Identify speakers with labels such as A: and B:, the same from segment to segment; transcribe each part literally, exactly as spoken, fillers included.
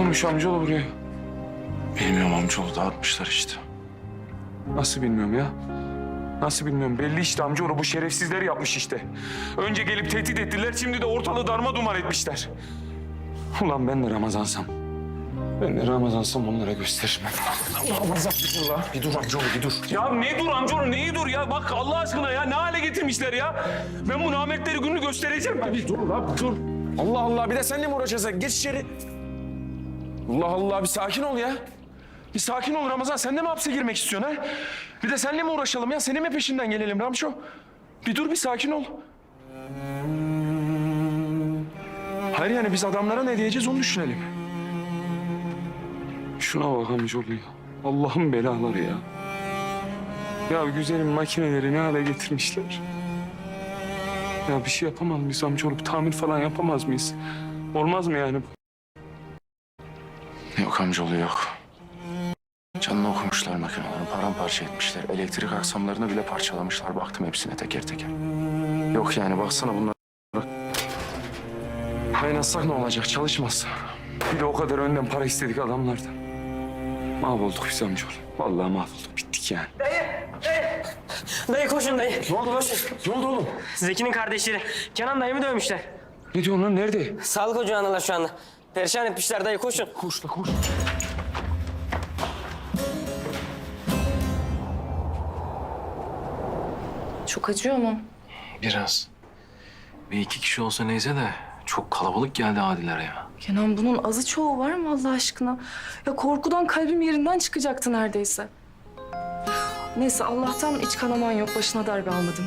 A: olmuş amcaoğlu buraya?
B: Bilmiyorum amcaoğlu, dağıtmışlar işte.
A: Nasıl bilmiyorum ya? Nasıl bilmiyorum? Belli işte amcaoğlu, bu şerefsizler yapmış işte. Önce gelip tehdit ettiler, şimdi de ortalığı darma duman etmişler. Ulan ben de Ramazansam. Ben de Ramazansam onlara gösteririm. Ramazan bir dur la.
B: Bir dur amcaoğlu, bir dur.
A: Ya ne dur amcaoğlu, neyi dur ya? Bak Allah aşkına ya, ne hale getirmişler ya? Ben bu namertleri gününü göstereceğim. Bir dur la, dur. Allah Allah, bir de seninle mi uğraşacağız? Geç içeri. Allah Allah, bir sakin ol ya. Bir sakin ol Ramazan, sen de mi hapse girmek istiyorsun ha? Bir de seninle mi uğraşalım ya? Senin mi peşinden gelelim Ramşo? Bir dur, bir sakin ol. Hayır yani biz adamlara ne diyeceğiz onu düşünelim. Şuna bak amcaoğlu ya. Allah'ın belaları ya. Ya güzelim makineleri ne hale getirmişler. Ya bir şey yapamaz mıyız amcaoğlu? Bir tamir falan yapamaz mıyız? Olmaz mı yani?
B: Yok amcaoğlu, yok. Canını okumuşlar makinelerini, paramparça etmişler. Elektrik aksamlarını bile parçalamışlar. Baktım hepsine teker teker. Yok yani, baksana bunlar.
A: Kaynatsak ne olacak? Çalışmaz. Bir de o kadar önden para istedik adamlardan. Mahvolduk biz amcaoğlu. Vallahi mahvolduk. Bittik yani.
C: Dayı koşun dayı.
A: Ne oldu lan? Ne oldu oğlum?
C: Zeki'nin kardeşleri. Kenan dayımı dövmüşler.
A: Ne diyorsun lan? Nerede?
C: Sağlık ocağındalar şu anda. Perişan etmişler dayı koşun.
A: Koş la koş.
D: Çok acıyor mu?
E: Biraz. Bir iki kişi olsa neyse de çok kalabalık geldi Adiler ya.
D: Kenan bunun azı çoğu var mı Allah aşkına? Ya korkudan kalbim yerinden çıkacaktı neredeyse. Neyse Allah'tan iç kanaman yok. Başına darbe almadın.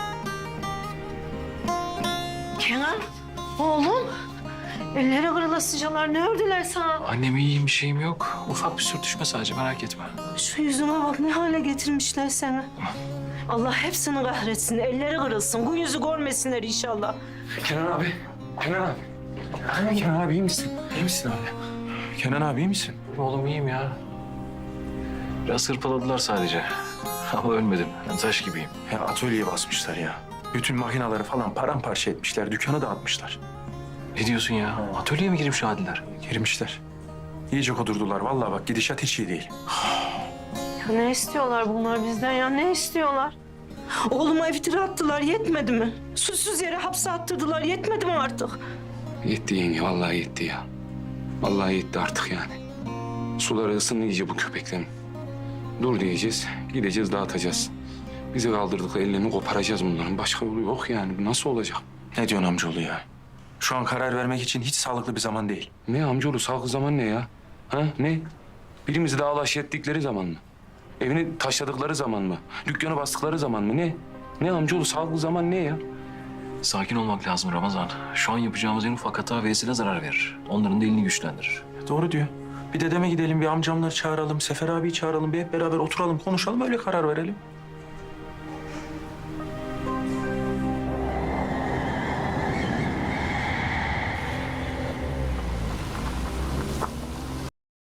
F: Kenan, oğlum. Elleri kırılasıcalar. Ne ördüler sana?
E: Annem iyiyim, bir şeyim yok. Ufak bir sürtüşme sadece, merak etme.
F: Şu yüzüme bak, ne hale getirmişler seni. Allah hepsini kahretsin. Elleri kırılsın. Bu yüzü görmesinler inşallah.
A: Kenan abi. Kenan abi. Kenan abi iyi misin?
E: İyi misin abi?
A: Kenan abi iyi misin?
E: Oğlum iyiyim ya. Biraz hırpaladılar sadece. Ama ölmedim. Ben taş gibiyim.
B: Ya atölyeye basmışlar ya. Bütün makinaları falan paramparça etmişler. Dükkanı dağıtmışlar.
E: Ne diyorsun ya? Atölyeye mi girmiş Adiler?
B: Girmişler. İyice kudurdular. Vallahi bak, gidişat hiç iyi değil.
F: Ya ne istiyorlar bunlar bizden ya? Ne istiyorlar? Oğluma iftira attılar. Yetmedi mi? Suçsuz yere hapse attırdılar. Yetmedi mi artık?
A: Yetti yenge. Vallahi yetti ya. Vallahi yetti artık yani. Suları ısındı iyice bu köpeklerin. Dur diyeceğiz. Gideceğiz dağıtacağız. Bizi kaldırdıkları ellerini koparacağız bunların. Başka yolu yok yani. Bu nasıl olacak?
B: Ne diyorsun amcaoğlu ya? Şu an karar vermek için hiç sağlıklı bir zaman değil.
A: Ne amcaoğlu sağlıklı zaman ne ya? Ha ne? Birimizi dağlaş ettikleri zaman mı? Evini taşladıkları zaman mı? Dükkanı bastıkları zaman mı? Ne? Ne amcaoğlu sağlıklı zaman ne ya?
E: Sakin olmak lazım Ramazan. Şu an yapacağımız en ufak hata Veysel'e zarar verir. Onların da elini güçlendirir.
B: Doğru diyor. Bir dedeme gidelim, bir amcamları çağıralım, Sefer abiyi çağıralım, bir hep beraber oturalım, konuşalım, öyle karar verelim.